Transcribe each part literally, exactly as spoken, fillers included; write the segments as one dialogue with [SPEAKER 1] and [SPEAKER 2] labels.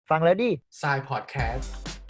[SPEAKER 1] ฟังแล้วดิ
[SPEAKER 2] ทรายพอดแคสต์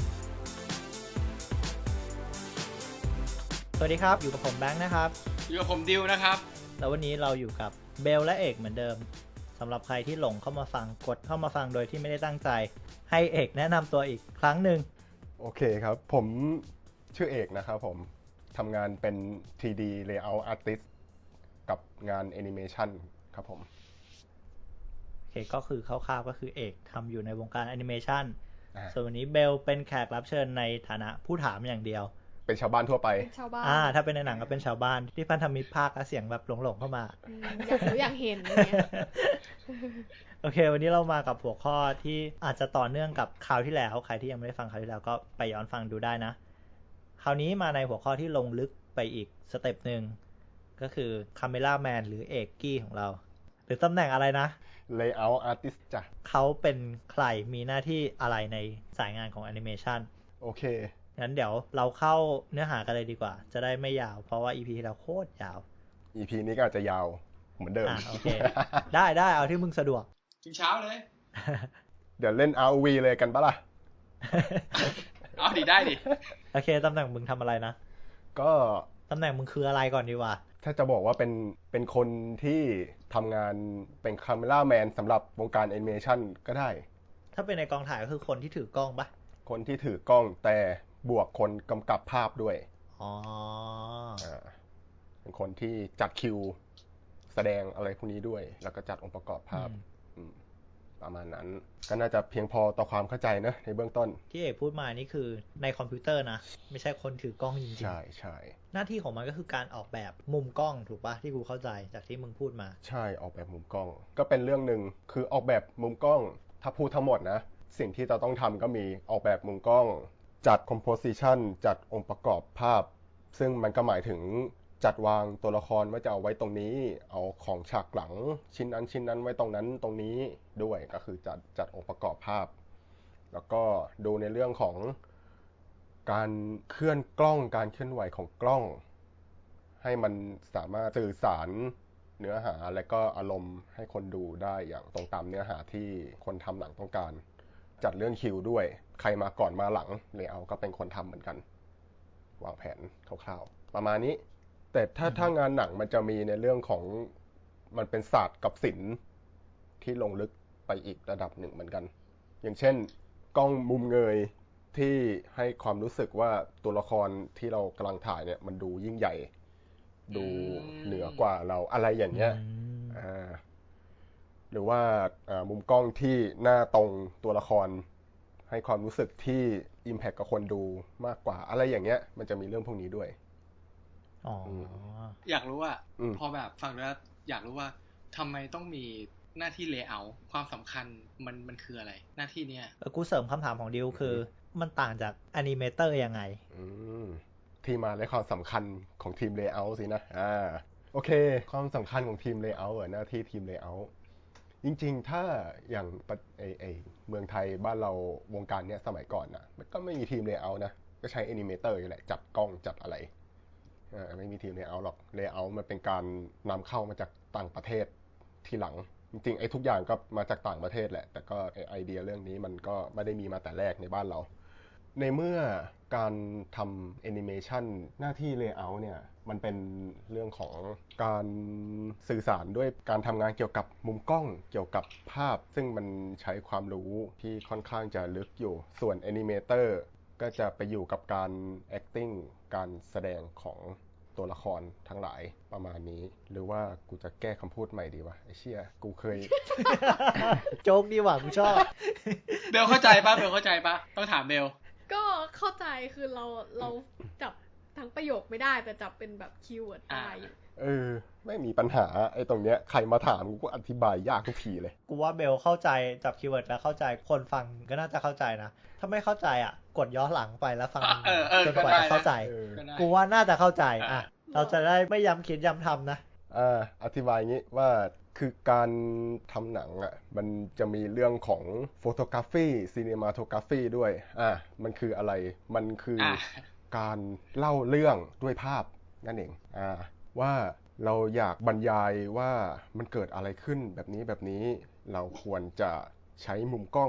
[SPEAKER 1] สวัสดีครับอยู่กับผมแบงค์นะครับ
[SPEAKER 3] อยู่กับผมดิวนะครับ
[SPEAKER 1] แล้ววันนี้เราอยู่กับเบลและเอกเหมือนเดิมสำหรับใครที่หลงเข้ามาฟังกดเข้ามาฟังโดยที่ไม่ได้ตั้งใจให้เอกแนะนำตัวอีกครั้งหนึ่ง
[SPEAKER 4] โอเคครับผมชื่อเอกนะครับผมทำงานเป็น ทรี ดี Layout Artist กับงาน Animation ครับผม
[SPEAKER 1] โอเคก็คือคร่าวๆก็คือเอกทำอยู่ในวงการแอนิเมชัน
[SPEAKER 4] อ่า
[SPEAKER 1] ส่วนวันนี้เบลเป็นแขกรับเชิญในฐานะผู้ถามอย่างเดียว
[SPEAKER 4] เป็นชาวบ้านทั่วไป
[SPEAKER 5] เป็นชาวบ้าน
[SPEAKER 1] อ่าถ้าเป็นในหนังก็เป็นชาวบ้านที่พันธมิตรภาคและเสียงแบบหลงๆเข้ามา
[SPEAKER 5] อืมอยากรู้อยากเห็นอะไรเงี้ย
[SPEAKER 1] โอเควันนี้เรามากับหัวข้อที่อาจจะต่อเนื่องกับคราวที่แล้วใครที่ยังไม่ได้ฟังคราวที่แล้วก็ไปย้อนฟังดูได้นะคราวนี้มาในหัวข้อที่ลงลึกไปอีกสเต็ปหนึ่งก็คือคาเมล่าแมนหรือเอกกี้ของเราหรือตำแหน่งอะไรนะ
[SPEAKER 4] Layout Artist จ้ะ
[SPEAKER 1] เขาเป็นใครมีหน้าที่อะไรในสายงานของแอนิเมชัน
[SPEAKER 4] โอเค
[SPEAKER 1] งั้นเดี๋ยวเราเข้าเนื้อหากันเลยดีกว่าจะได้ไม่ยาวเพราะว่า อี พี ที่แล้วโคตรยาว
[SPEAKER 4] อี พี นี้ก็อาจจะยาวเหมือนเดิม
[SPEAKER 1] อ่าโอเค ได้ได้เอาที่มึงสะดวก
[SPEAKER 3] ถึงเช้าเลย
[SPEAKER 4] เดี๋ยวเล่น อาร์ โอ วี เลยกันปะล่ะ
[SPEAKER 3] เอาดิได้ดิ
[SPEAKER 1] โอเคตำแหน่งมึงทำอะไรนะ
[SPEAKER 4] ก็
[SPEAKER 1] ตำแหน่งมึงคืออะไรก่อนดีวะ
[SPEAKER 4] ถ้าจะบอกว่าเป็นเป็นคนที่ทำงานเป็นคาเมล่าแมนสำหรับวงการแอนิเมชันก็ได้
[SPEAKER 1] ถ้าเป็นในกองถ่ายก็คือคนที่ถือกล้องปะ
[SPEAKER 4] คนที่ถือกล้องแต่บวกคนกำกับภาพด้วย
[SPEAKER 1] อ๋อ
[SPEAKER 4] อ่าเป็นคนที่จัดคิวแสดงอะไรพวกนี้ด้วยแล้วก็จัดองค์ประกอบภาพประมาณนั้นก็น่าจะเพียงพอต่อความเข้าใจนะในเบื้องต้น
[SPEAKER 1] ที่เอกพูดมานี่คือในคอมพิวเตอร์นะไม่ใช่คนถือกล้องจริงๆ
[SPEAKER 4] ใช่ใช่
[SPEAKER 1] หน้าที่ของมันก็คือการออกแบบมุมกล้องถูกปะที่กูเข้าใจจากที่มึงพูดมา
[SPEAKER 4] ใช่ออกแบบมุมกล้องก็เป็นเรื่องหนึ่งคือออกแบบมุมกล้องถ้าพูดทั้งหมดนะสิ่งที่เราต้องทำก็มีออกแบบมุมกล้องจัดคอมโพสิชันจัดองค์ประกอบภาพซึ่งมันก็หมายถึงจัดวางตัวละครว่าจะเอาไว้ตรงนี้เอาของฉากหลังชิ้นนั้นชิ้นนั้นไว้ตรงนั้นตรงนี้ด้วยก็คือจัดจัดองค์ประกอบภาพแล้วก็ดูในเรื่องของการเคลื่อนกล้องการเคลื่อนไหวของกล้องให้มันสามารถสื่อสารเนื้อหาและก็อารมณ์ให้คนดูได้อย่างตรงตามเนื้อหาที่คนทำหนังต้องการจัดเรื่องคิวด้วยใครมาก่อนมาหลังเลเยอร์ก็เป็นคนทำเหมือนกันวางแผนคร่าวๆประมาณนี้แต่ถ้าถ้างานหนังมันจะมีในเรื่องของมันเป็นศาสตร์กับศิลป์ที่ลงลึกไปอีกระดับหนึ่งเหมือนกันอย่างเช่นกล้องมุมเงยที่ให้ความรู้สึกว่าตัวละครที่เรากำลังถ่ายเนี่ยมันดูยิ่งใหญ่ดูเหนือกว่าเราอะไรอย่างเงี้ยหรือว่ามุมกล้องที่หน้าตรงตัวละครให้ความรู้สึกที่อิมแพคกับคนดูมากกว่าอะไรอย่างเงี้ยมันจะมีเรื่องพวกนี้ด้วย
[SPEAKER 1] อ๋อ
[SPEAKER 3] อยากรู้ว่าพอแบบฟังแล้วอยากรู้ว่าทำไมต้องมีหน้าที่เลเยอร์ความสำคัญมันมันคืออะไรหน้าที่เนี้ย
[SPEAKER 1] กูเสริมคำถามของดิวคือมันต่างจากแอนิเมเตอร์ยังไง
[SPEAKER 4] ที่มาและความสำคัญของทีมเลเยอร์สินะอ่าโอเคความสำคัญของทีมเลเยอร์หน้าที่ทีมเลเยอร์จริงๆถ้าอย่างไอไอเมืองไทยบ้านเราวงการเนี้ยสมัยก่อนนะมันก็ไม่มีทีมเลเยอร์นะก็ใช้แอนิเมเตอร์อยู่แหละจัดกล้องจัดอะไรไม่มีทีมเลเยอร์หรอกเลเยอร์มันเป็นการนำเข้ามาจากต่างประเทศทีหลังจริงๆไอ้ทุกอย่างก็มาจากต่างประเทศแหละแต่ก็ไอเดียเรื่องนี้มันก็ไม่ได้มีมาแต่แรกในบ้านเราในเมื่อการทำแอนิเมชันหน้าที่เลเยอร์เนี่ยมันเป็นเรื่องของการสื่อสารด้วยการทำงานเกี่ยวกับมุมกล้องเกี่ยวกับภาพซึ่งมันใช้ความรู้ที่ค่อนข้างจะลึกอยู่ส่วนแอนิเมเตอร์ก็จะไปอยู่กับการ acting การแสดงของตัวละครทั้งหลายประมาณนี้หรือว่ากูจะแก้คำพูดใหม่ดีวะไอ้เชี่ยกูเคย
[SPEAKER 1] โจ๊กดีว่ะกูชอบ
[SPEAKER 3] เบลเข้าใจปะเบลเข้าใจปะต้องถามเบล
[SPEAKER 5] ก็เข้าใจคือเราเราจับทั้งประโยคไม่ได้แต่จับเป็นแบบคีย์เวิร์ดได้
[SPEAKER 4] เออไม่มีปัญหาไอ้ตรงเนี้ยใครมาถามกูก็อธิบายยากทุกทีเลย
[SPEAKER 1] กูว่าเบลเข้าใจจับคีย์เวิร์ดแล้วเข้าใจคนฟังก็น่าจะเข้าใจนะถ้าไม่เข้าใจอ่ะกดย้อนหลังไปแล้วฟังจนกว่าจะเข้าใจกูว่าน่าจะเข้าใจอ่ะเราจะได้ไม่ย้ำคิดย้ำทำนะ
[SPEAKER 4] อ่าอธิบายงี้ว่าคือการทำหนังอ่ะมันจะมีเรื่องของโฟโตกราฟีซีเนมาโทกราฟีด้วยอ่ามันคืออะไรมันคือการเล่าเรื่องด้วยภาพนั่นเองอ่าว่าเราอยากบรรยายว่ามันเกิดอะไรขึ้นแบบนี้แบบนี้เราควรจะใช้มุมกล้อง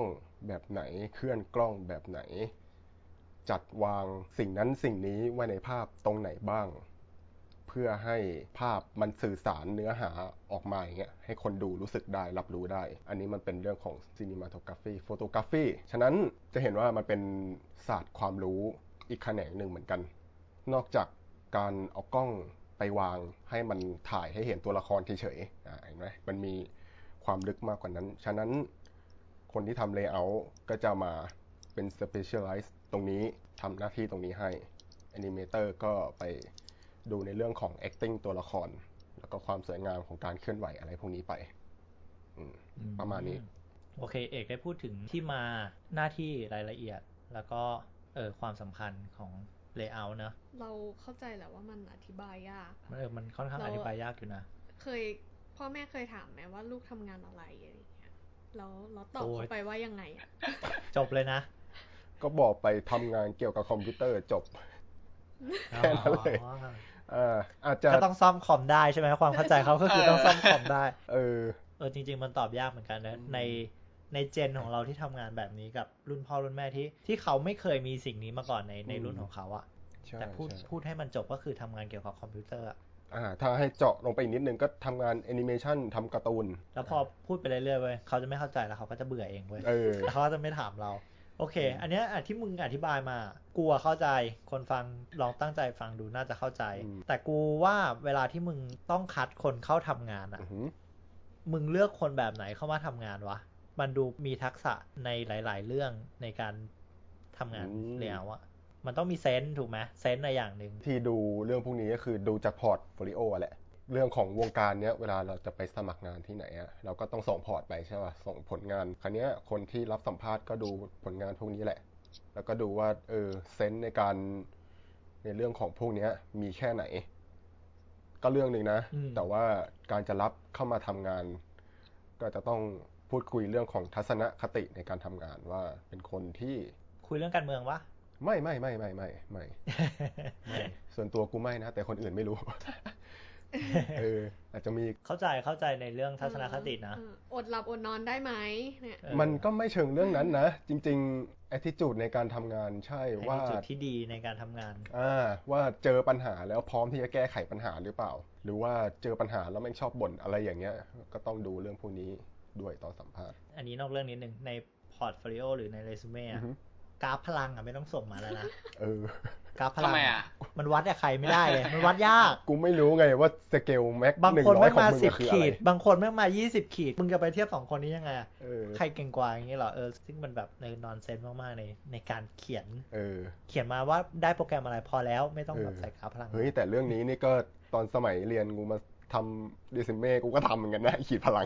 [SPEAKER 4] แบบไหนเคลื่อนกล้องแบบไหนจัดวางสิ่งนั้นสิ่งนี้ไว้ในภาพตรงไหนบ้างเพื่อให้ภาพมันสื่อสารเนื้อหาออกมาอย่างเงี้ยให้คนดูรู้สึกได้รับรู้ได้อันนี้มันเป็นเรื่องของ cinematography photography ฉะนั้นจะเห็นว่ามันเป็นศาสตร์ความรู้อีกแขนงหนึ่งเหมือนกันนอกจากการเอากล้องไปวางให้มันถ่ายให้เห็นตัวละครเฉยๆอ่าเห็นไหมมันมีความลึกมากกว่านั้นฉะนั้นคนที่ทำ layout ก็จะมาเป็น specialize ตรงนี้ทำหน้าที่ตรงนี้ให้ animator ก็ไปดูในเรื่องของ acting ตัวละครแล้วก็ความสวยงามของการเคลื่อนไหวอะไรพวกนี้ไปประมาณนี้
[SPEAKER 1] โอเคเอกได้พูดถึงที่มาหน้าที่รายละเอียดแล้วก็เออความสำคัญของ layout เนอะ
[SPEAKER 5] เราเข้าใจแหละว่ามันอธิบายยาก
[SPEAKER 1] เออมันค่อนข้างอธิบายยากอยู่นะ
[SPEAKER 5] เคยพ่อแม่เคยถามไหมว่าลูกทำงานอะไรอะไรอย่างเงี้ยแล้วเราตอบเขาไปว่ายังไงอ่ะ
[SPEAKER 1] จบเลยนะ
[SPEAKER 4] ก็บอกไปทำงานเกี่ยวกับคอมพิวเตอร์จบแค่นั้นเลยอาจจะ
[SPEAKER 1] ก็ต้องซ่อมคอมได้ใช่ไหมความเข้าใจเขาก็คือต้องซ่อมคอมได้
[SPEAKER 4] เออ
[SPEAKER 1] เออจริงๆมันตอบยากเหมือนกันนะในในเจนของเราที่ทำงานแบบนี้กับรุ่นพ่อรุ่นแม่ที่ที่เขาไม่เคยมีสิ่งนี้มาก่อนในในรุ่นของเขาอะแต่พูดพูดให้มันจบก็คือทำงานเกี่ยวกับคอมพิวเตอร์
[SPEAKER 4] อ่าถ้าให้เจาะลงไปอีกนิดนึงก็ทำงานแอนิเมชันทำการ์ตูน
[SPEAKER 1] แล้วพอพูดไปเรื่อยๆเว้ยเขาจะไม่เข้าใจแล้วเขาก็จะเบื่อเองเว้ยแล้วเขาจะไม่ถามเราโอเคอันเนี้ยที่มึงอธิบายมากูเข้าใจคนฟังลองตั้งใจฟังดูน่าจะเข้าใจแต่กูว่าเวลาที่มึงต้องคัดคนเข้าทำงานอ่ะมึงเลือกคนแบบไหนเข้ามาทำงานวะมันดูมีทักษะในหลายๆเรื่องในการทำงานแล้วอะมันต้องมีเซนส์ถูกไหมเซนส์ในอย่างหนึ่ง
[SPEAKER 4] ที่ดูเรื่องพวกนี้ก็คือดูจากพอร์ตโฟลิโอแหละเรื่องของวงการเนี้ยเวลาเราจะไปสมัครงานที่ไหนอะเราก็ต้องส่งพอร์ตไปใช่ป่ะส่งผลงานคราวนี้คนที่รับสัมภาษณ์ก็ดูผลงานพวกนี้แหละแล้วก็ดูว่าเออเซนส์ในการในเรื่องของพวกนี้มีแค่ไหนก็เรื่องนึงนะแต่ว่าการจะรับเข้ามาทำงานก็จะต้องพูดคุยเรื่องของทัศนคติในการทำงานว่าเป็นคนที่
[SPEAKER 1] คุยเรื่องการเมืองวะ
[SPEAKER 4] ไม่ไม่ไม่ไม่ไม่ไม่ไม่ส่วนตัวกูไม่นะแต่คนอื่นไม่รู้เอออาจจะมี
[SPEAKER 1] เข้าใจเข้าใจในเรื่องทัศนคตินะ
[SPEAKER 5] อดหลับอดนอนได้ไหมเนี่ย
[SPEAKER 4] มันก็ไม่เชิงเรื่องนั้นนะจริงๆ attitude ในการทำงานใช่ว่า
[SPEAKER 1] attitude ที่ดีในการทำงาน
[SPEAKER 4] อ่าว่าเจอปัญหาแล้วพร้อมที่จะแก้ไขปัญหาหรือเปล่าหรือว่าเจอปัญหาแล้วไม่ชอบบ่นอะไรอย่างเงี้ยก็ต้องดูเรื่องพวกนี้ด้วยตอนสัมภาษณ์
[SPEAKER 1] อันนี้นอกเรื่องนิดนึงในพอร์ตโฟลิโอหรือในเรซูเม่อะกราฟพลังอ่ะไม่ต้องส่งมาแล้วนะ
[SPEAKER 4] เอ
[SPEAKER 1] อกราฟพลังมันวัดกับใครไม่ได้เลยมันวัดยาก
[SPEAKER 4] กูไม่รู้ไงว่าสเกลแม็ก
[SPEAKER 1] บางคนไม่มาสิบขีดบางคนไม่มายี่สิบขีดมึงจะไปเทียบสองคนนี้ยังไงใครเก่งกว่าอย่างนี้เหรอเออซึ่งมันแบบในนอนเซนส์มากๆในในการเขียน
[SPEAKER 4] เออ
[SPEAKER 1] เขียนมาว่าได้โปรแกรมอะไรพอแล้วไม่ต้องแบบใส่กราฟพลัง
[SPEAKER 4] เฮ้ยแต่เรื่องนี้นี่ก็ตอนสมัยเรียนกูมาทำเรซูเม่กูก็ทำเหมือนกันนะขีดพลัง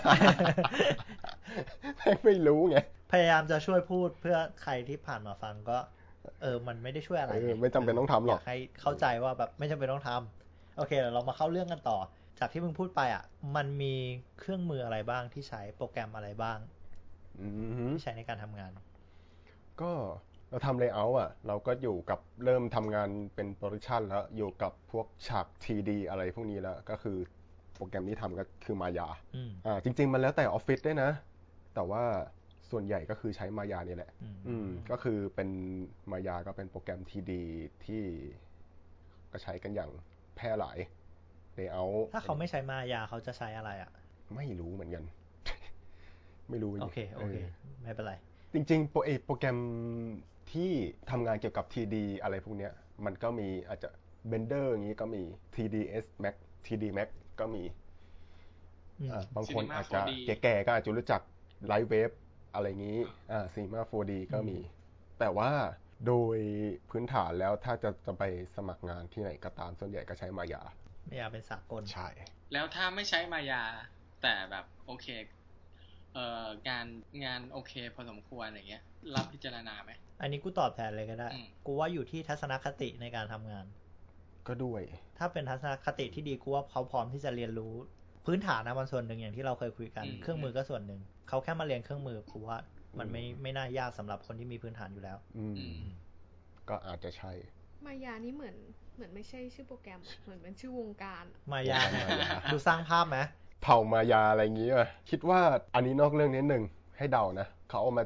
[SPEAKER 4] ไม่รู้ไง
[SPEAKER 1] พยายามจะช่วยพูดเพื่อใครที่ผ่านมาฟังก็เออมันไม่ได้ช่วยอะไร
[SPEAKER 4] ไม่จำเป็นต้องทำหรอก
[SPEAKER 1] อยากให้เข้าใจว่าแบบไม่จำเป็นต้องทำโอเคเรามาเข้าเรื่องกันต่อจากที่มึงพูดไปอ่ะมันมีเครื่องมืออะไรบ้างที่ใช้โปรแกรมอะไรบ้างที่ใช้ในการทำงาน
[SPEAKER 4] ก็เราทำ layout อ่ะเราก็อยู่กับเริ่มทำงานเป็นโปรดักชันแล้วอยู่กับพวกฉาก ที ดี อะไรพวกนี้แล้วก็คือโปรแกรมที่ทำก็คือมายาอ่าจริงๆมันแล้วแต่ออฟฟิศด้วยนะแต่ว่าส่วนใหญ่ก็คือใช้มายานี่แหละอืมก็คือเป็นมายาก็เป็นโปรแกรม ที ดี ที่ก็ใช้กันอย่างแพร่หลาย layout
[SPEAKER 1] ถ้าเขาไม่ใช้มายาเขาจะใช้อะไรอ่ะ
[SPEAKER 4] ไม่รู้เหมือนกันไม่รู้
[SPEAKER 1] โอเคโอเคไม่เป็นไร
[SPEAKER 4] จริงๆโปรเอโปรแกรมที่ทำงานเกี่ยวกับ ที ดี อะไรพวกเนี้ยมันก็มีอาจจะ Blender อย่างนี้ก็มี ที ดี เอส Max ที ดี Max ก็มีบางคนอาจจะแก่ๆก็อาจจะรู้จัก Lightwave อะไรงี้อ่า Cinema โฟร์ ดี ก็มีแต่ว่าโดยพื้นฐานแล้วถ้าจะจะไปสมัครงานที่ไหนก็ตามส่วนใหญ่ก็ใช้มายาม
[SPEAKER 1] ายาเป็นสากล
[SPEAKER 4] ใช่
[SPEAKER 3] แล้วถ้าไม่ใช้มายาแต่แบบโอเคเอ่องานงานโอเคพอสมควรอย่างเงี้ยรับพิจารณาไหม
[SPEAKER 1] อันนี้กูตอบแทนเลยก็ได้กูว่าอยู่ที่ทัศนคติในการทำงาน
[SPEAKER 4] ก็ด้วย
[SPEAKER 1] ถ้าเป็นทัศนคติที่ดีกูว่าเขาพร้อมที่จะเรียนรู้พื้นฐานนะมันส่วนหนึ่งอย่างที่เราเคยคุยกันเครื่องมือก็ส่วนหนึ่งเขาแค่มาเรียนเครื่องมือกูว่ามันไม่ไม่น่ายากสำหรับคนที่มีพื้นฐานอยู่แล้ว
[SPEAKER 4] อืมก็อาจจะใช่
[SPEAKER 5] มายานี่เหมือนเหมือนไม่ใช่ชื่อโปรแกรมเหมือนเป็นชื่อวงการ
[SPEAKER 1] มายาดูสร้างภาพไหม
[SPEAKER 4] เผ่ามายาอะไรอย่างงี้ป่ะคิดว่าอันนี้นอกเรื่องนิดนึงให้เดานะเขาเอามาจาก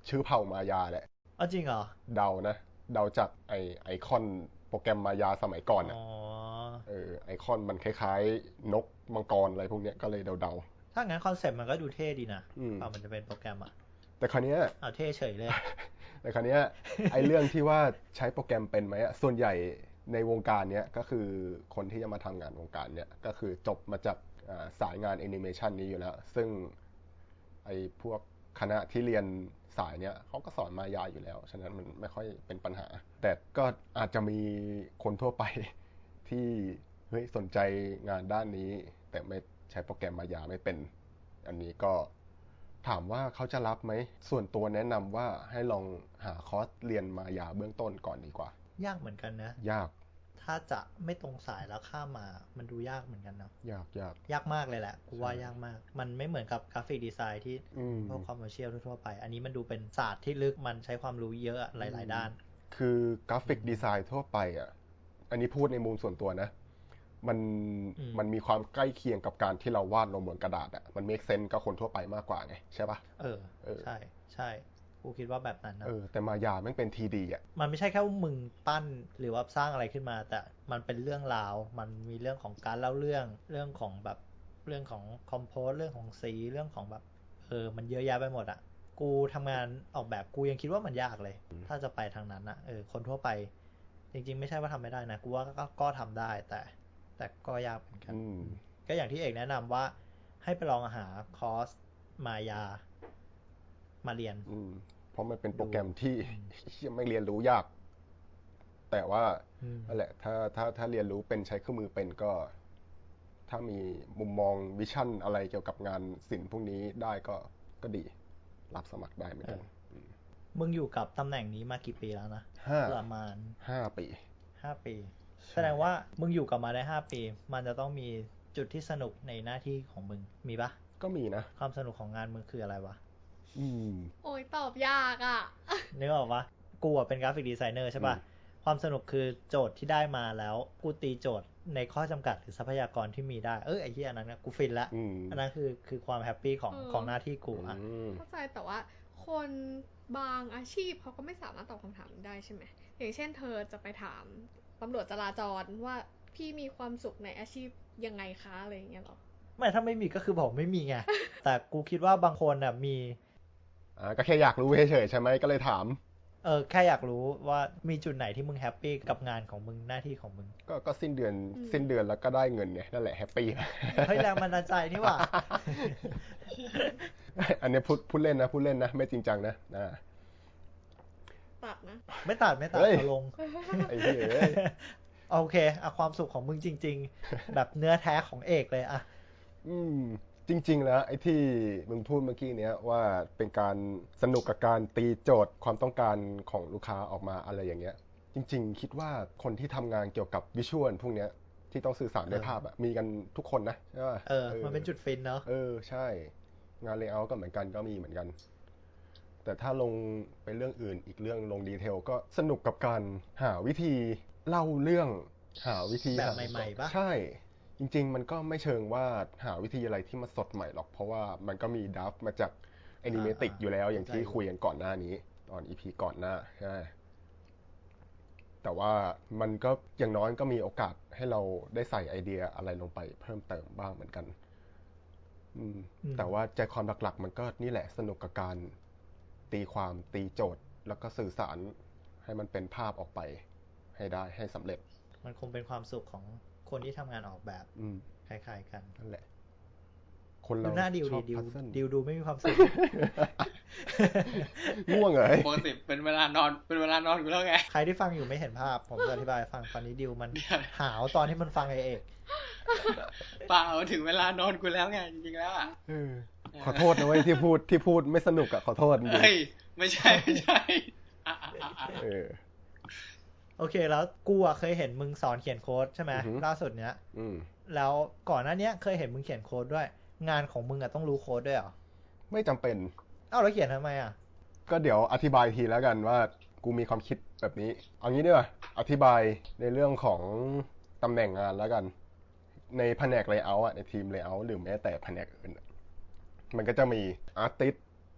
[SPEAKER 4] ชื่อเผ่ามายาแหละ
[SPEAKER 1] อ๋อจริงเหรอ
[SPEAKER 4] เดานะเดาจากไอไอคอนโปรแกรมมายาสมัยก่อนอ่ะ
[SPEAKER 1] อ๋อ
[SPEAKER 4] เออไอคอนมันคล้ายๆนกมังกรอะไรพวกเนี้ยก็เลยเดา
[SPEAKER 1] ๆถ้างั้นคอนเซ็ปต์มันก็ดูเท่ดีนะ
[SPEAKER 4] อืม
[SPEAKER 1] เปล่ามันจะเป็นโปรแกรมอ่ะ
[SPEAKER 4] แต่คราวเนี้ย
[SPEAKER 1] เอาเท่เฉยเลย
[SPEAKER 4] แต่คราวเนี้ยไอเรื่องที่ว่าใช้โปรแกรมเป็นไหมอ่ะส่วนใหญ่ในวงการเนี้ยก็คือคนที่จะมาทำงานวงการเนี้ยก็คือจบมาจากอ่าสายงานแอนิเมชันนี้อยู่แล้วซึ่งไอพวกคณะที่เรียนสายเนี้ยเขาก็สอนมายาอยู่แล้วฉะนั้นมันไม่ค่อยเป็นปัญหาแต่ก็อาจจะมีคนทั่วไปที่เฮ้ยสนใจงานด้านนี้แต่ไม่ใช้โปรแกรมมายาไม่เป็นอันนี้ก็ถามว่าเขาจะรับไหมส่วนตัวแนะนำว่าให้ลองหาคอร์สเรียนมายาเบื้องต้นก่อนดีกว่าย
[SPEAKER 1] ากเหมือนกันนะ
[SPEAKER 4] ยาก
[SPEAKER 1] ถ้าจะไม่ตรงสายแล้วข้ามมามันดูยากเหมือนกันเนาะ
[SPEAKER 4] ยากยาก
[SPEAKER 1] ยากมากเลยแหละกูว่ายากมากมันไม่เหมือนกับกราฟิกดีไซน์ที่พวกคอมเมอร์เชียลทั่วไปอันนี้มันดูเป็นศาสตร์ที่ลึกมันใช้ความรู้เยอะหลายๆด้าน
[SPEAKER 4] คือกราฟิกดีไซน์ทั่วไปอ่ะอันนี้พูดในมุมส่วนตัวนะมันมันมีความใกล้เคียงกับการที่เราวาดลงบนกระดาษอ่ะมันเมคเซนส์กับคนทั่วไปมากกว่าไงใช่ปะ
[SPEAKER 1] เออใช่ใช่กูคิดว่าแบบนั้นนะ
[SPEAKER 4] เออแต่มายาแม่งเป็น ที ดี อ่ะ
[SPEAKER 1] มันไม่ใช่แค่ว่ามึงปั้นหรือว่าสร้างอะไรขึ้นมาแต่มันเป็นเรื่องราวมันมีเรื่องของการเล่าเรื่องเรื่องของแบบเรื่องของคอมโพสเรื่องของสีเรื่องของแบบเออมันเยอะแยะไปหมดอ่ะกูทำงานออกแบบกูยังคิดว่ามันยากเลยถ้าจะไปทางนั้นอ่ะเออคนทั่วไปจริงๆไม่ใช่ว่าทำไม่ได้นะกูว่าก็ก็ทำได้แต่แต่ก็ยากเหมือนกันก็อย่างที่เอกแนะนำว่าให้ไปลองหาคอร์สมายามาเรียน
[SPEAKER 4] เพราะมันเป็นโปรแกรมที่ยังไม่เรียนรู้ยากแต่ว่านั่นแหละถ้าถ้าถ้าเรียนรู้เป็นใช้เครื่องมือเป็นก็ถ้ามีมุมมองวิชั่นอะไรเกี่ยวกับงานศิลป์พวกนี้ได้ก็ก็ดีรับสมัครได้เหมือนกัน
[SPEAKER 1] มึงอยู่กับตำแหน่งนี้มากี่ปีแล้วนะประมาณ
[SPEAKER 4] ห้าปี
[SPEAKER 1] ห้าปีแสดงว่ามึงอยู่กับมาได้ห้าปีมันจะต้องมีจุดที่สนุกในหน้าที่ของมึงมีปะ
[SPEAKER 4] ก็มีนะ
[SPEAKER 1] ความสนุกของงานมึงคืออะไรวะ
[SPEAKER 4] อืม
[SPEAKER 5] โอ้ยตอบยากอ่ะ
[SPEAKER 1] นึกออกปะกูเป็นกราฟิกดีไซเนอร์ใช่ปะความสนุกคือโจทย์ที่ได้มาแล้วกูตีโจทย์ในข้อจำกัดหรือทรัพยากรที่มีได้เออไอ้ที่อันนั้นกูฟินละอันนั้นคือคือความแฮปปี้ของของหน้าที่กูอ่ะ
[SPEAKER 5] เข้าใจแต่ว่าคนบางอาชีพเขาก็ไม่สามารถตอบคำถามได้ใช่ไหมอย่างเช่นเธอจะไปถามตำรวจจราจรว่าพี่มีความสุขในอาชีพยังไงคะอะไรอย่างเงี้ยหรอ
[SPEAKER 1] ไม่ถ้าไม่มีก็คือบอกไม่มีไงแต่กูคิดว่าบางคนอ่ะมี
[SPEAKER 4] อ่าก็แค่อยากรู้เฉยๆใช่ไหมก็เลยถาม
[SPEAKER 1] เออแค่อยากรู้ว่ามีจุดไหนที่มึงแฮปปี้กับงานของมึงหน้าที่ของมึง
[SPEAKER 4] ก็ก็สิ้นเดือนสิ้นเดือนแล้วก็ได้เงินไงนั่นแหละแฮปปี้
[SPEAKER 1] เฮ้ยแรงบันดาลใจนี่หว่า
[SPEAKER 4] อันนี้พูดพูดเล่นนะพูดเล่นนะไม่จริงจังนะนะ
[SPEAKER 5] ตัดนะ
[SPEAKER 1] ไม่ตัดไม่ตัดเอาลง
[SPEAKER 4] ไอ้เหี้ย
[SPEAKER 1] โอเคเอาความสุขของมึงจริงๆแบบเนื้อแท้ของเอกเลยอะ
[SPEAKER 4] อืมจริงๆแล้วไอ้ที่มึงพูดเมื่อกี้เนี้ยว่าเป็นการสนุกกับการตีโจทย์ความต้องการของลูกค้าออกมาอะไรอย่างเงี้ยจริงๆคิดว่าคนที่ทำงานเกี่ยวกับวิชวลพวกเนี้ยที่ต้องสื่อสารด้วยภาพอะมีกันทุกคนนะใช่ป่ะ
[SPEAKER 1] เออมันเป็นจุดฟินเนาะ
[SPEAKER 4] เออใช่งานเลเยอร์ก็เหมือนกันก็มีเหมือนกันแต่ถ้าลงไปเรื่องอื่นอีกเรื่องลงดีเทลก็สนุกกับการหาวิธีเล่าเรื่องหาวิธี
[SPEAKER 1] แบบใหม่ๆป่ะ
[SPEAKER 4] ใช่จริงๆมันก็ไม่เชิงว่าหาวิธีอะไรที่มันสดใหม่หรอกเพราะว่ามันก็มีดัฟมาจากแอนิเมติกอยู่แล้วอย่างที่คุยกันก่อนหน้านี้ตอน อี พี ก่อนหน้าใช่แต่ว่ามันก็อย่างน้อยก็มีโอกาสให้เราได้ใส่ไอเดียอะไรลงไปเพิ่มเติมบ้างเหมือนกันแต่ว่าใจความหลักๆมันก็นี่แหละสนุกกับการตีความตีโจทย์แล้วก็สื่อสารให้มันเป็นภาพออกไปให้ได้ให้สำเร็จ
[SPEAKER 1] มันคงเป็นความสุขของคนที่ทำงานออกแบบคล้ายๆกัน
[SPEAKER 4] นั่นแหละคนเรา
[SPEAKER 1] ดูหน้าดิวดิวดิวดูไม่มีความสุข
[SPEAKER 4] ง่วงเหรอ
[SPEAKER 3] ปกติเป็นเวลานอนเป็นเวลานอนกูแล้วไง
[SPEAKER 1] ใครที่ฟังอยู่ไม่เห็นภาพผมจะอธิบายฟังตอนนี้ดิวมันหาวตอนที่มันฟังไอเอก
[SPEAKER 3] เปล่าถึงเวลานอนกูแล้วไงจริงๆแล้วอ่ะ
[SPEAKER 4] ขอโทษนะเว้ยที่พูดที่พูดไม่สนุกอ่ะขอโทษจริง
[SPEAKER 3] เฮ้ยไม่ใช่ไม่ใช่
[SPEAKER 1] เออโอเคแล้วกูอ่ะเคยเห็นมึงสอนเขียนโค้ดใช่ไหมล่าสุดเนี้ยแล้วก่อนหน้านี้เคยเห็นมึงเขียนโค้ดด้วยงานของมึงอ่ะต้องรู้โค้ดด้วยเหรอ
[SPEAKER 4] ไม่จำเป็น
[SPEAKER 1] เอ้าแล้วเขียนทำไมอ่ะ
[SPEAKER 4] ก็เดี๋ยวอธิบายทีแล้วกันว่ากูมีความคิดแบบนี้เอางี้ดีกว่าอธิบายในเรื่องของตำแหน่งงานแล้วกันในแผนก layout อ่ะในทีม layout หรือแม้แต่แผนกอื่นมันก็จะมี artist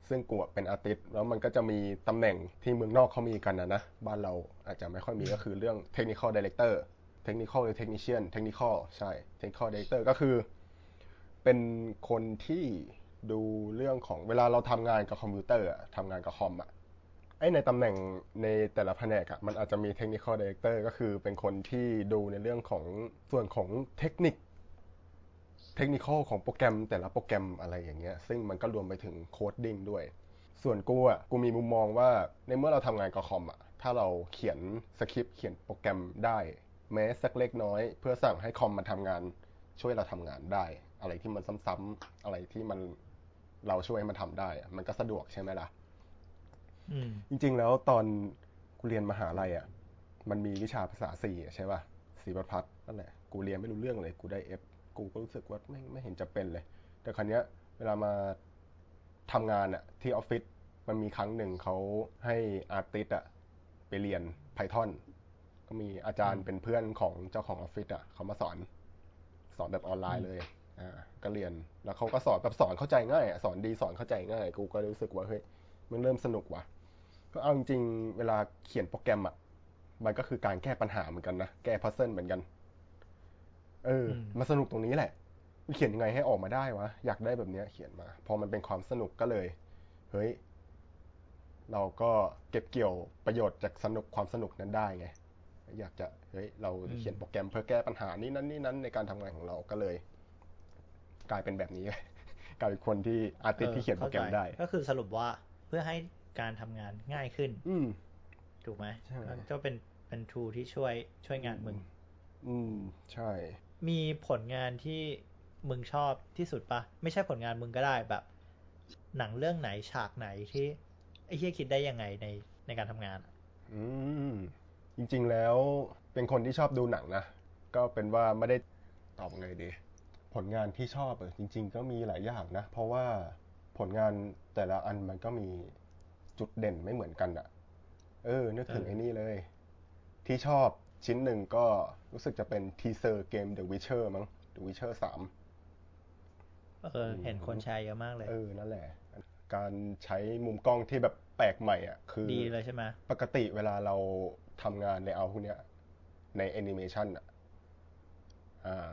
[SPEAKER 4] ซึ่งกูเป็นอาร์ติสต์แล้วมันก็จะมีตำแหน่งที่เมืองนอกเขามีกันนะนะบ้านเราอาจจะไม่ค่อยมีก็คือเรื่อง technical director technical หรือ technician technical ใช่ technical director ก็คือเป็นคนที่ดูเรื่องของเวลาเราทำงานกับคอมพิวเตอร์ทำงานกับคอมอะไอในตำแหน่งในแต่ละแผนกอะมันอาจจะมี technical director ก็คือเป็นคนที่ดูในเรื่องของส่วนของเทคนิคเทคนิคของโปรแกรมแต่ละโปรแกรมอะไรอย่างเงี้ยซึ่งมันก็รวมไปถึงโคดดิ้งด้วยส่วนกูอ่ะกูมีมุมมองว่าในเมื่อเราทำงานกับคอมอ่ะถ้าเราเขียนสคริปต์เขียนโปรแกรมได้แม้สักเล็กน้อยเพื่อสั่งให้คอมมันทำงานช่วยเราทำงานได้อะไรที่มันซ้ำๆอะไรที่มันเราช่วยมันทำได้มันก็สะดวกใช่ไหมล่ะจริงๆแล้วตอนกูเรียนมหาลัยอ่ะมันมีวิชาภาษา C ใช่ป่ะ C++ นั่นแหละกูเรียนไม่รู้เรื่องเลยกูได้ F กูก็รู้สึกว่าไม่ไม่เห็นจะเป็นเลยแต่ครั้งนี้เวลามาทำงานอะที่ออฟฟิศมันมีครั้งหนึ่งเขาให้อาร์ติสต์อะไปเรียน Python ก็มีอาจารย์เป็นเพื่อนของเจ้าของออฟฟิศอะเขามาสอนสอนแบบออนไลน์เลยอ่าก็เรียนแล้วเขาก็สอนแบบสอนเข้าใจง่ายสอนดีสอนเข้าใจง่ายกูก็รู้สึกว่าเฮ้ยมันเริ่มสนุกว่ะก็เอาจริงๆเวลาเขียนโปรแกรมอะมันก็คือการแก้ปัญหาเหมือนกันนะแก้พัซเซิลเหมือนกันเออมาสนุกตรงนี้แหละเขียนยังไงให้ออกมาได้วะอยากได้แบบนี้เขียนมาพอมันเป็นความสนุกก็เลยเฮ้ยเราก็เก็บเกี่ยวประโยชน์จากสนุกความสนุกนั้นได้ไงอยากจะเฮ้ยเราเขียนโปรแกรมเพื่อแก้ปัญหานี้นั้นนี่นั้นในการทำงานของเราก็เลยกลายเป็นแบบนี้กลายเป็นคนที่อาร์ติสต์ที่เขียนโปรแกรมได้
[SPEAKER 1] ก็คือสรุปว่าเพื่อให้การทำงานง่ายขึ้นถูกไหมก็เป็นเป็นทูที่ช่วยช่วยงานมึง
[SPEAKER 4] อืมใช่
[SPEAKER 1] มีผลงานที่มึงชอบที่สุดปะไม่ใช่ผลงานมึงก็ได้แบบหนังเรื่องไหนฉากไหนที่ไอ้เหี้ยคิดได้ยังไงในในการทำงาน
[SPEAKER 4] อืมจริงๆแล้วเป็นคนที่ชอบดูหนังนะก็เป็นว่าไม่ได้ตอบไงดีผลงานที่ชอบเออจริงๆก็มีหลายอย่างนะเพราะว่าผลงานแต่ละอันมันก็มีจุดเด่นไม่เหมือนกันอะเออนึกถึงไอ้นี่เลยที่ชอบชิ้นหนึ่งก็รู้สึกจะเป็นทีเซอร์เกม The Witcher มั้ง The Witcher สาม
[SPEAKER 1] เออเห็นคนแชร์เยอะมากเลย
[SPEAKER 4] เออนั่นแหละการใช้มุมกล้องที่แบบแปลกใหม่อ่ะคือ
[SPEAKER 1] ดีเลยใช่ไหม
[SPEAKER 4] ปกติเวลาเราทำงานในเอาพวกเนี้ยในแอนิเมชันอ่ะอ่า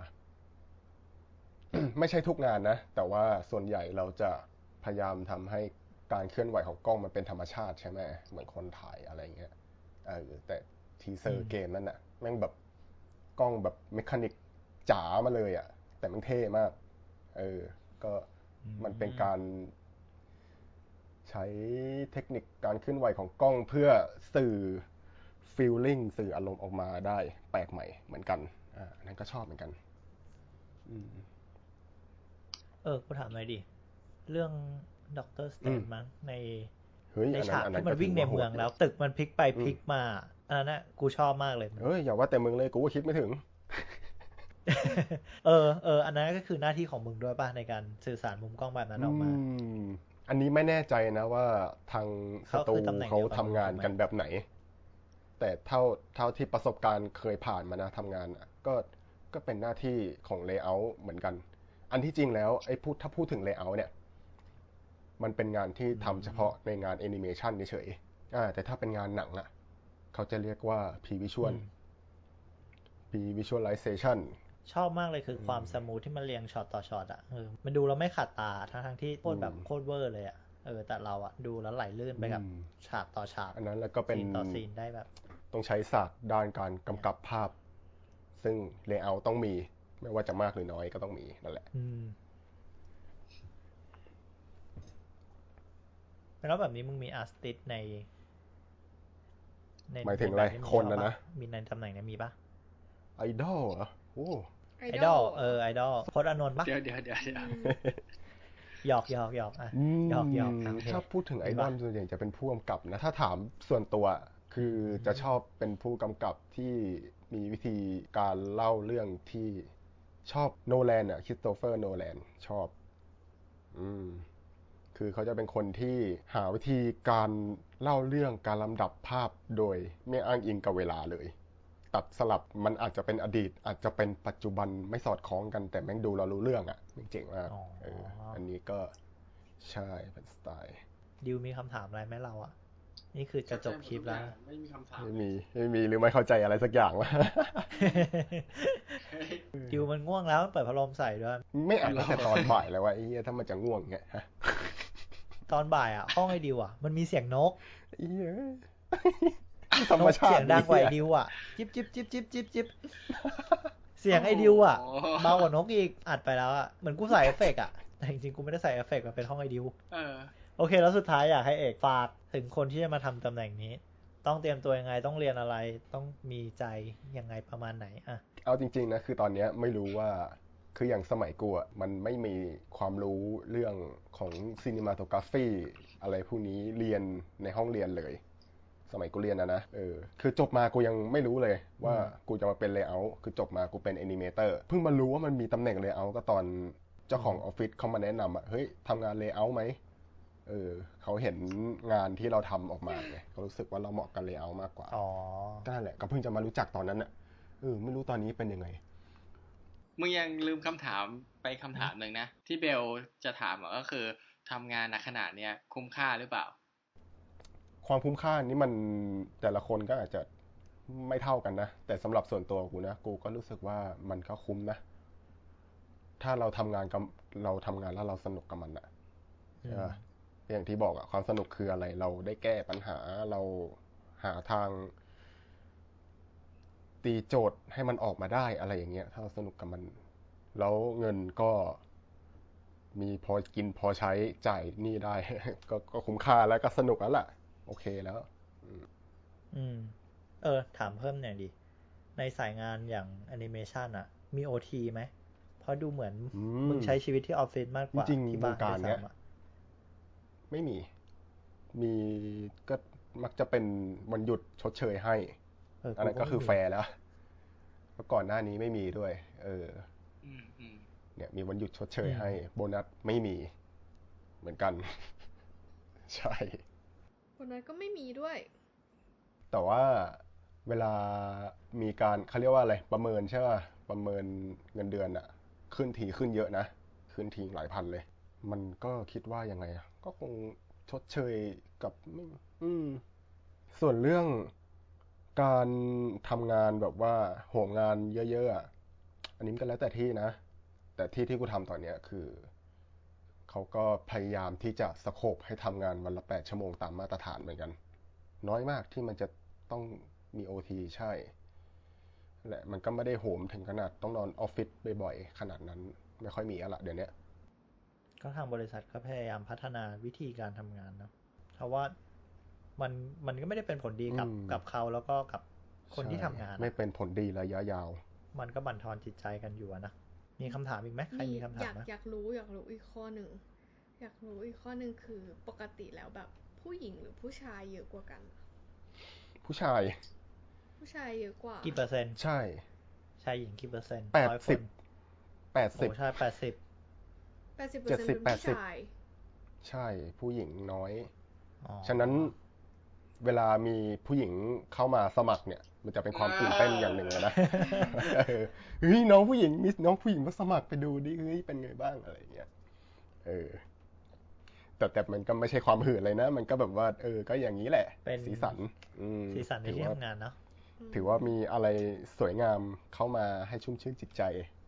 [SPEAKER 4] ไม่ใช่ทุกงานนะแต่ว่าส่วนใหญ่เราจะพยายามทำให้การเคลื่อนไหวของกล้องมันเป็นธรรมชาติใช่ไหมเหมือนคนถ่ายอะไรเงี้ยเออแต่ทีเซอร์เกมนั่นน่ะแม่งแบบกล้องแบบเมคานิกจ๋ามาเลยอ่ะแต่มันเท่มากเออก็มันเป็นการใช้เทคนิคการเคลื่อนไหวของกล้องเพื่อสื่อฟีลลิ่งสื่ออารมณ์ออกมาได้แปลกใหม่เหมือนกันอ่านั่นก็ชอบเหมือนกันอืม
[SPEAKER 1] เออกูถามหน่อยดิเรื่องด็อกเตอร์สแตนมั้งในในฉากที่มันวิ่งในเมืองแล้วตึกมันพลิกไปพลิกมาอันนั้นน่ะกูชอบมากเลย
[SPEAKER 4] เฮ้ยอย่าว่าแต่มึงเลยกูก็คิดไม่ถึง
[SPEAKER 1] เออเอออันนั้นก็คือหน้าที่ของมึงด้วยป่ะในการสื่อสารมุมกล้องแบบนั้นออกมา
[SPEAKER 4] อันนี้ไม่แน่ใจนะว่าทางสตูเขาทำงานกันแบบไหนแต่เท่าเท่าที่ประสบการณ์เคยผ่านมานะทำงานก็ก็เป็นหน้าที่ของเลเยอร์เหมือนกันอันที่จริงแล้วไอ้พูดถ้าพูดถึงเลเยอร์เนี่ยมันเป็นงานที่ทำเฉพาะในงานแอนิเมชันเฉยๆแต่ถ้าเป็นงานหนังอ่ะเขาจะเรียกว่า Pre-Visual Pre-Visualization
[SPEAKER 1] ชอบมากเลยคือความสมูทที่มันเรียงช็อตต่อช็อตอ่ะเออมันดูแล้วไม่ขัดตาทั้งทั้งที่โคตรแบบโคตรเวอร์เลยอ่ะเออแต่เราอ่ะดูแล้วไหลลื่นไปกับฉากต่อฉาก
[SPEAKER 4] อันนั้นแล้วก็เป็น
[SPEAKER 1] ซีนต่อซีนได้แบบ
[SPEAKER 4] ต้องใช้ศาสตร์ด้านการกำกับภาพซึ่งเลเยอร์ต้องมีไม่ว่าจะมากหรือน้อยก็ต้องมีนั่นแหละ
[SPEAKER 1] แล้วแบบนี้มึงมีอาร์ติสใน
[SPEAKER 4] หมายถึงอะไรคนนะนะ
[SPEAKER 1] มีในตำแหน่งนี้มีปะ
[SPEAKER 4] ไอดอลเหรอโอ้
[SPEAKER 1] ไอดอลเออไอดอลพจน์อานนท์ปะ
[SPEAKER 3] เดี๋ยวเดี๋ยวเดี๋ยว
[SPEAKER 1] หยอกหยอกหยอกอ่ะหยอกหยอก
[SPEAKER 4] ถ้าพูดถึงไอดอลส่วนใหญ่จะเป็นผู้กำกับนะถ้าถามส่วนตัวคือจะชอบเป็นผู้กำกับที่มีวิธีการเล่าเรื่องที่ชอบโนแลนอ่ะคริสโตเฟอร์โนแลนชอบอืมคือเขาจะเป็นคนที่หาวิธีการเล่าเรื่องการลำดับภาพโดยไม่อ้างอิงกับเวลาเลยตัดสลับมันอาจจะเป็นอดีตอาจจะเป็นปัจจุบันไม่สอดคล้องกันแต่แม่งดูเรารู้เรื่องอ่ะเจ๋งมากเอออันนี้ก็ใช่เป็นสไตล์
[SPEAKER 1] ดิวมีคำถามอะไรไหมเราอ่ะนี่คือจะจบคลิปแล้ว
[SPEAKER 3] ไม่มีคำถาม
[SPEAKER 4] ไม่มีไม่มีหรือไม่เข้าใจอะไรสักอย่างวะ
[SPEAKER 1] ดิวมันง่วงแล้วเปิดพัดลมใส่ด้วย
[SPEAKER 4] ไม่อ่านตั้งแต่ตอนบ่ายแล้วว่าไอ้เหี้ยถ้ามันจะง่วงเงี้ยฮะ
[SPEAKER 1] ตอนบ่ายอ่ะห้องไอ้ดิวอ่ะมันมีเสียงนก
[SPEAKER 4] ไอ้เหี้ยธร
[SPEAKER 1] นก
[SPEAKER 4] รมชาติ
[SPEAKER 1] เสียงดังกว่าไอ้ดิวอ่ะจิ๊บจิ๊บจิ๊บจิ๊บจิ๊บจิ๊บเสียงไอ้ดิวอ่ะเบากว่านกอีกอัดไปแล้วอ่ะเหมือนกูใส่เอฟเฟกต์อ่ะแต่จริงๆกูไม่ได้ใส่เอฟเฟกต์มันเป็นห้องไอ้ดิว
[SPEAKER 3] เออ
[SPEAKER 1] โอเคแล้วสุดท้ายอยากให้เอกฝากถึงคนที่จะมาทำตำแหน่งนี้ต้องเตรียมตัวยังไงต้องเรียนอะไรต้องมีใจยังไงประมาณไหนอ่ะ
[SPEAKER 4] เอาจริงๆนะคือตอนนี้ไม่รู้ว่าคืออย่างสมัยกูอ่ะมันไม่มีความรู้เรื่องของซีนิมาโตกราฟีอะไรพวกนี้เรียนในห้องเรียนเลยสมัยกูเรียนนะนะเออคือจบมากูยังไม่รู้เลยว่ากูจะมาเป็นเลเยอร์คือจบมากูเป็นแอนิเมเตอร์เพิ่งมารู้ว่ามันมีตำแหน่งเลเยอร์ก็ตอนเจ้าของออฟฟิศเขามาแนะนำอ่ะเฮ้ยทำงานเลเยอร์ไหมเออเขาเห็นงานที่เราทำออกมาไงเขารู้สึกว่าเราเหมาะกับเลเยอร์มากกว่า
[SPEAKER 1] อ๋อ
[SPEAKER 4] ก็นั่นแหละก็เพิ่งจะมารู้จักตอนนั้นอ่ะเออไม่รู้ตอนนี้เป็นยังไง
[SPEAKER 3] มึงยังลืมคำถามไปคำถามหนึ่งนะที่เบลจะถามก็คือทำงานณขนาดเนี้ยคุ้มค่าหรือเปล่า
[SPEAKER 4] ความคุ้มค่านี้มันแต่ละคนก็อาจจะไม่เท่ากันนะแต่สำหรับส่วนตัวกูนะกูก็รู้สึกว่ามันก็คุ้มนะถ้าเราทำงานกับเราทำงานแล้วเราสนุกกับมันอะอย่างที่บอกอะความสนุกคืออะไรเราได้แก้ปัญหาเราหาทางตีโจทย์ให้มันออกมาได้อะไรอย่างเงี้ยถ้าเราสนุกกับมันแล้วเงินก็มีพอกินพอใช้จ่ายหนี้ได้ ก็ก็คุ้มค่าแล้วก็สนุกแล้วล่ะโอเคแล้ว
[SPEAKER 1] อืมเออถามเพิ่มหน่อยดิในสายงานอย่างแอนิเมชันอะมีโอทีไหมเพราะดูเหมือนมึงใช้ชีวิตที่ออฟฟิศมากกว่าที่บ้านด้วยซ้ำอะ
[SPEAKER 4] ไม่มีมีก็มักจะเป็นวันหยุดชดเชยให้อันนั้นก็คือแฟร์แล้วเพราะก่อนหน้านี้ไม่มีด้วยเออเนี่ยมีวันหยุดชดเชยให้โบนัสไม่มีเหมือนกันใช่
[SPEAKER 5] โบนัสก็ไม่มีด้วย
[SPEAKER 4] แต่ว่าเวลามีการเขาเรียกว่าอะไรประเมินใช่ป่ะประเมินเงินเดือนอะขึ้นทีขึ้นเยอะนะขึ้นทีหลายพันเลยมันก็คิดว่ายังไงอะก็คงชดเชยกับอืมส่วนเรื่องการทำงานแบบว่าโหมงานเยอะๆอ่ะอันนี้มันก็แล้วแต่ที่นะแต่ที่ที่กูทำตอนเนี้ยคือเขาก็พยายามที่จะสโคปให้ทำงานวันละแปดชั่วโมงตามมาตรฐานเหมือนกันน้อยมากที่มันจะต้องมี โอ ที ใช่แหละมันก็ไม่ได้โหมถึงขนาดต้องนอนออฟฟิศบ่อยๆขนาดนั้นไม่ค่อยมีอะละเดี๋ยวนี้
[SPEAKER 1] ก็ทางบริษัทก็พยายามพัฒนาวิธีการทำงานเนาะเพราะว่ามันมันก็ไม่ได้เป็นผลดีกับกับเขาแล้วก็กับคนที่ทำงาน
[SPEAKER 4] ไม่เป็นผลดีระยะยาว
[SPEAKER 1] มันก็บั่นทอนจิตใจกันอยู่นะมีคำถามอีกไหมใครมีคำถามไหม
[SPEAKER 5] อยากรู้อยากรู้อีกข้อหนึ่งอยากรู้อีกข้อหนึ่งคือปกติแล้วแบบผู้หญิงหรือผู้ชายเยอะกว่ากัน
[SPEAKER 4] ผู้ชาย
[SPEAKER 5] ผู้ชายเยอะกว่า
[SPEAKER 1] กี่เปอร์เซ็นต์
[SPEAKER 4] ใช่
[SPEAKER 1] ชายหญิงกี่เปอร์เซ็นต์
[SPEAKER 4] แปดสิบแปดสิบ
[SPEAKER 1] โอ้ใช่แปดสิบ
[SPEAKER 5] แปดสิบเปอร์เซ็นต์เป็นผู้ชาย
[SPEAKER 4] ใช่ผู้หญิงน้อยฉะนั้นเวลามีผู้หญิงเข้ามาสมัครเนี่ยมันจะเป็นความตื่นเต้นอย่างหนึ่งเลยนะเฮ้ยน้องผู้หญิงมีน้องผู้หญิงมาสมัครไปดูดิเฮ้ยเป็นไงบ้างอะไรเงี้ยเออแต่แต่มันก็ไม่ใช่ความหื่นเลยนะมันก็แบบว่าเออก็อย่างนี้แหละ
[SPEAKER 1] เป็น
[SPEAKER 4] สีสัน
[SPEAKER 1] สีสันในที่ทำงานเนาะ
[SPEAKER 4] ถือว่ามีอะไรสวยงามเข้ามาให้ชุ่มชื่นจิตใจ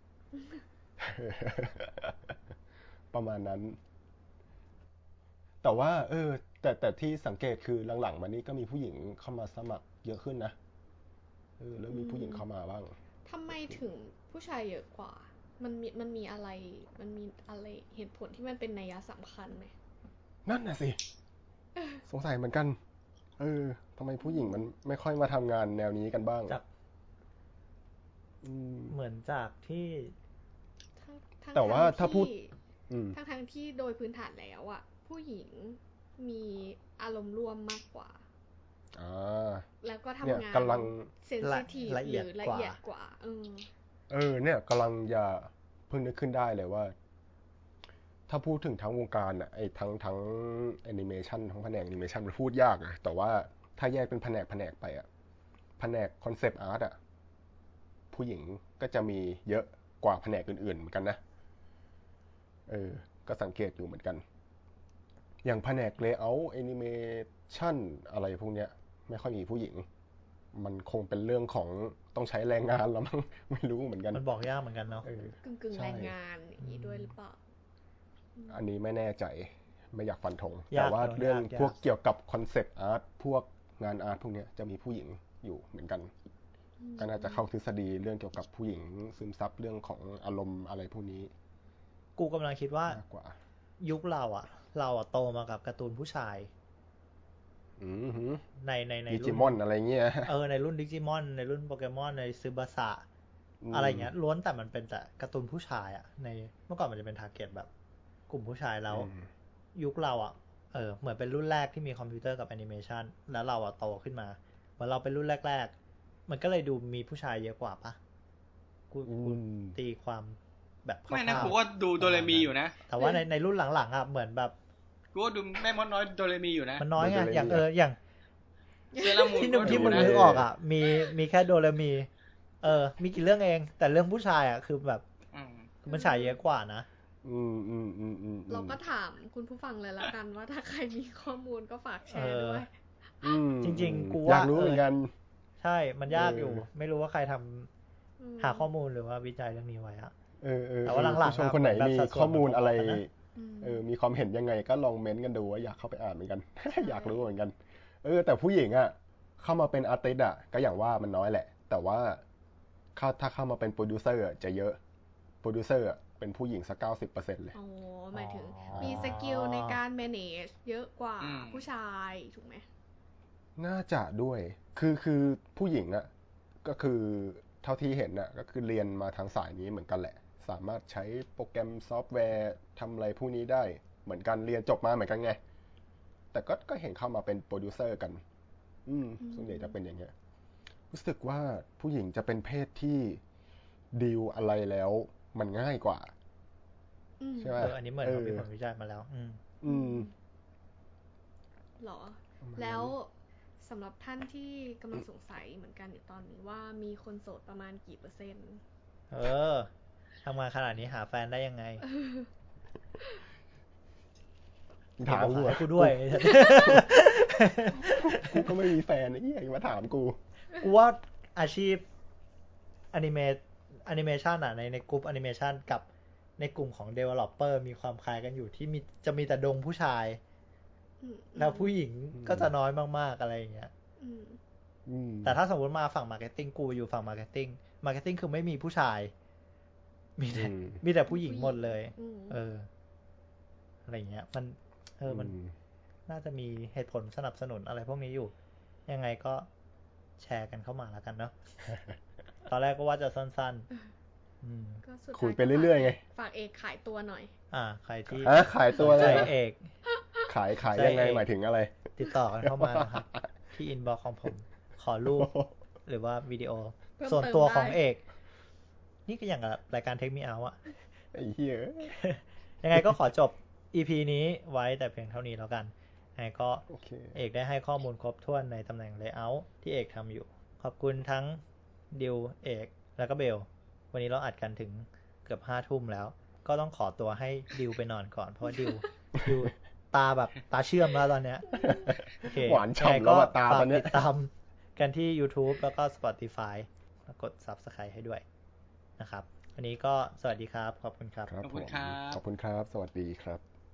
[SPEAKER 4] ประมาณนั้นแต่ว่าเออแต่แต่ที่สังเกตคือหลังๆมานี้ก็มีผู้หญิงเข้ามาสมัครเยอะขึ้นนะเออแล้วมีผู้หญิงเข้ามาบ้าง
[SPEAKER 5] ทำไมถึงผู้ชายเยอะกว่ามันมีมันมีอะไรมันมีอะไรเหตุผลที่มันเป็นนัยสำคัญไหม
[SPEAKER 4] นั่นน่ะสิสงสัยเหมือนกันเออทำไมผู้หญิงมันไม่ค่อยมาทำงานแนวนี้กันบ้าง
[SPEAKER 1] จากเหมือนจากที่
[SPEAKER 4] แต่ว่าถ้าพูด
[SPEAKER 5] ทั้งทั้งที่โดยพื้นฐานแล้วอ่ะผู้หญิงมีอารมณ์ร่วมมากกว่าแล้วก็ทำงาน
[SPEAKER 4] กำลัง
[SPEAKER 5] เซนซิทีฟหรือละเอียดกว่าเออ
[SPEAKER 4] เออเนี่ยกำลังจะเพิ่งนึกขึ้นได้เลยว่าถ้าพูดถึงทั้งวงการอ่ะไอ้ทั้งทั้งแอนิเมชันทั้งแผนกแอนิเมชันมันพูดยากนะแต่ว่าถ้าแยกเป็นแผนกแผนกไปอ่ะแผนกคอนเซปต์อาร์ตอ่ะผู้หญิงก็จะมีเยอะกว่าแผนกอื่นๆเหมือนกันนะเออก็สังเกตอยู่เหมือนกันอย่างแผนก layout animation อะไรพวกเนี้ยไม่ค่อยมีผู้หญิงมันคงเป็นเรื่องของต้องใช้แรงงานแล้วมั้ง ไม่รู้เหมือนกัน
[SPEAKER 1] มันบอกยากเหมือนกันเนาะ
[SPEAKER 5] กึ่งกึ่งแรงงานอย่างนี้ด้วยหรือเปล่า
[SPEAKER 4] อันนี้ไม่แน่ใจไม่อยากฟันธงแต่ว่าเรื่องพวกเกี่ยวกับคอนเซปต์อาร์ตพวกงานอาร์ตพวกเนี้ยจะมีผู้หญิงอยู่เหมือนกันก็น่าจะเข้าทฤษฎีเรื่องเกี่ยวกับผู้หญิงซึมซับเรื่องของอารมณ์อะไรพวกนี้
[SPEAKER 1] กูกำลังคิดว่ายุคเราอ่ะเราอ่ะโตมากับการ์ตูนผู้ชายในในใน
[SPEAKER 4] ดิจิมอนอะไรเงี้ย
[SPEAKER 1] เออในรุ่นดิจิมอนในรุ่นโปเกมอนในซึบาสะอะไรเงี้ยล้วนแต่มันเป็นแต่การ์ตูนผู้ชายอ่ะในเมื่อก่อนมันจะเป็นทาร์เก็ตแบบกลุ่มผู้ชายแล้วยุคเราอ่ะเออเหมือนเป็นรุ่นแรกที่มีคอมพิวเตอร์กับแอนิเมชันแล้วเราอ่ะโตขึ้นมาเหมือนเราเป็นรุ่นแรกๆมันก็เลยดูมีผู้ชายเยอะกว่าปะกูตีความแบบ
[SPEAKER 3] ไม่นะกูก็ดูโดเรมีอยู่นะ
[SPEAKER 1] แต่ว่าในในรุ่นหลังๆอ่ะเหมือนแบบ
[SPEAKER 3] กูก็ดูแม่มดน้อยโดเรมีอยู่นะ
[SPEAKER 1] มันน้อยไงอย่างเอออย่าง
[SPEAKER 3] เซรามูน
[SPEAKER 1] ที่ที่มึงนึกออกอ่ะมีมีแค่โดเรมีเออมีกี่เรื่องเองแต่เรื่องผู้ชายอ่ะคือแบบมันฉายเยอะกว่านะ
[SPEAKER 4] อืมอืมอืมอืม
[SPEAKER 5] เราก็ถามคุณผู้ฟังเลยละกันว่าถ้าใครมีข้อมูลก็ฝากแชร์ด้วย
[SPEAKER 1] จริงๆกู
[SPEAKER 4] ว่าอยากรู้เหมือนกัน
[SPEAKER 1] ใช่มันยากอยู่ไม่รู้ว่าใครทำหาข้อมูลหรือว่าวิจัยเรื่องนี้ไว้อะแต่ว่าหลังๆ
[SPEAKER 4] ผู้ชมคนไหนมีข้อมูลอะไรเออมีความเห็นยังไงก็ลองเม้นต์กันดูว่าอยากเข้าไปอ่านเหมือนกันอยากรู้เหมือนกันเออแต่ผู้หญิงอ่ะเข้ามาเป็นอาร์ติสต์อ่ะก็อย่างว่ามันน้อยแหละแต่ว่าถ้าเข้ามาเป็นโปรดิวเซอร์จะเยอะโปรดิวเซอร์เป็นผู้หญิงสักเก้าสิบเปอร์เซ็นต์เลย
[SPEAKER 5] อ๋อหมายถึงมีสกิลในการ manage เยอะกว่าผู้ชายถูกไหม
[SPEAKER 4] น่าจะด้วยคือคือผู้หญิงอ่ะก็คือเท่าที่เห็นน่ะก็คือเรียนมาทางสายนี้เหมือนกันแหละสามารถใช้โปรแกรมซอฟต์แวร์ทำอะไรพวกนี้ได้เหมือนกันเรียนจบมาเหมือนกันไงแต่ก็ก็เห็นเข้ามาเป็นโปรดิวเซอร์กันอืมส่วนใหญ่จะเป็นอย่างเงี้ยรู้สึกว่าผู้หญิงจะเป็นเพศที่ดีลอะไรแล้วมันง่ายกว่าใช่ไหม
[SPEAKER 1] เอออันนี้เหมือนเขามีผลวิจัยมาแล้วอืม
[SPEAKER 4] อืม
[SPEAKER 5] หรอแล้วสำหรับท่านที่กำลังสงสัยเหมือนกันอยู่ตอนนี้ว่ามีคนโสดประมาณกี่เปอร์เซ็นต์
[SPEAKER 1] เออทำงานขนาดนี้หาแฟนได้ยังไง
[SPEAKER 4] ถามกู
[SPEAKER 1] กูด้วย
[SPEAKER 4] กูก็ไม่มีแฟนไอ้เหี้ยมาถามกู
[SPEAKER 1] กูว่าอาชีพอนิเมะแอนิเมชันอ่ะในในกลุ่มแอนิเมชันกับในกลุ่มของ developer มีความคล้ายกันอยู่ที่มีจะมีแต่ดงผู้ชายแล้วผู้หญิงก็จะน้อยมากๆอะไรอย่างเงี้ยแต่ถ้าสมมติมาฝั่ง marketing กูอยู่ฝั่ง marketing marketing คือไม่มีผู้ชายมีแต่มีแต่ผู้หญิงหมดเลยเอออะไรเงี้ยมันเออมันน่าจะมีเหตุผลสนับสนุนอะไรพวกนี้อยู่ยังไงก็แชร์กันเข้ามาแล้วกันเนาะตอนแรกก็ว่าจะสั้น
[SPEAKER 4] ๆคุยไปเรื่อยๆไง
[SPEAKER 5] ฝากเอกขายตัวหน่อย
[SPEAKER 1] อ่าใครที่
[SPEAKER 4] ขายตัว
[SPEAKER 1] เลยเอก
[SPEAKER 4] ขายขายยังไงหมายถึงอะไร
[SPEAKER 1] ติดต่อกันเข้ามานะครับที่อินบ็อกซ์ของผมขอรูปหรือว่าวิดีโอส่วนตัวของเอกนี่ก็อย่างกับรายการเทคมีเอาอะ
[SPEAKER 4] ไอ้เหี้ย
[SPEAKER 1] ยังไงก็ขอจบ อี พี นี้ไว้แต่เพียงเท่านี้แล้วกันยังไงก็เอกได้ให้ข้อมูลครบถ้วนในตำแหน่ง layout ที่เอกทำอยู่ขอบคุณทั้งดิวเอกแล้วก็เบลวันนี้เราอัดกันถึงเกือบห้าทุ่มแล้วก็ต้องขอตัวให้ดิวไปนอนก่อนเพราะดิวดิวตาแบบตาเชื่อมแล้วตอนเนี้ย
[SPEAKER 4] หวานฉ่ำแล้วตาตอนนี้
[SPEAKER 1] ติดตามกันที่ YouTube แล้วก็ Spotify แล้วกด Subscribe ให้ด้วยนะครับวันนี้ก็สวัสดีครับขอบคุณครับ
[SPEAKER 3] ขอบคุณครับ
[SPEAKER 4] ขอบคุณครับสวัสดีครับ